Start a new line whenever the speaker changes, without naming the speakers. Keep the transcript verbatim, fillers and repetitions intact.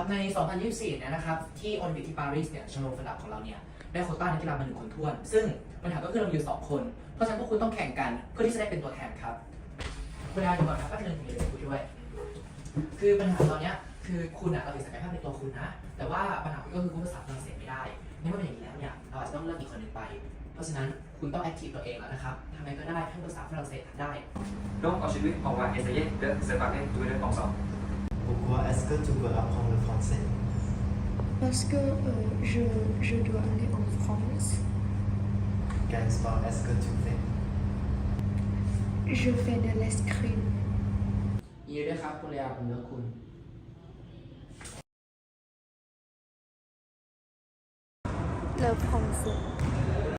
ใน สองพันยี่สิบสี่ เนี่ยนะครับที่โอลิมปิกที่ปารีสเนี่ยชมรมฝรั่งของเราเนี่ยได้โควต้านักกีฬามาหนึ่งคนท้วนซึ่งปัญหาก็คือเราอยู่สองคนเพราะฉะนั้นพวกคุณต้องแข่งกันเพื่อที่จะได้เป็นตัวแทนครับคุณอาดูก่อนครับแป๊บนึงเดี๋ยวคุยด้วยคือปัญหาตอนนี้คือคุณอะเราติดศักยภาพในตัวคุณนะแต่ว่าปัญหาก็คือคุณภาษาฝรั่งเศสไม่ได้นี่มันเป็นอย่างนี้แล้วเนี่ยเราอาจจะต้องเลือกอีกคนหนึ่งไปเพราะฉะนั้นคุณต้องแอคทีฟตัวเองแล้วนะครับทำไงก็ได้ให้ภาษาฝรั่งเศสได้
Donc aujourd'hui, on va essayer de se parler tous les deux ensemble.
Pourquoi est-ce que tu veux apprendre le français?
Parce que euh, je, je dois aller en France.
Quel sport est-ce que tu fais?
Je fais de l'escrime.
ยินดีด้วยครับคุณเลียผมเลือกคุณ
Le français.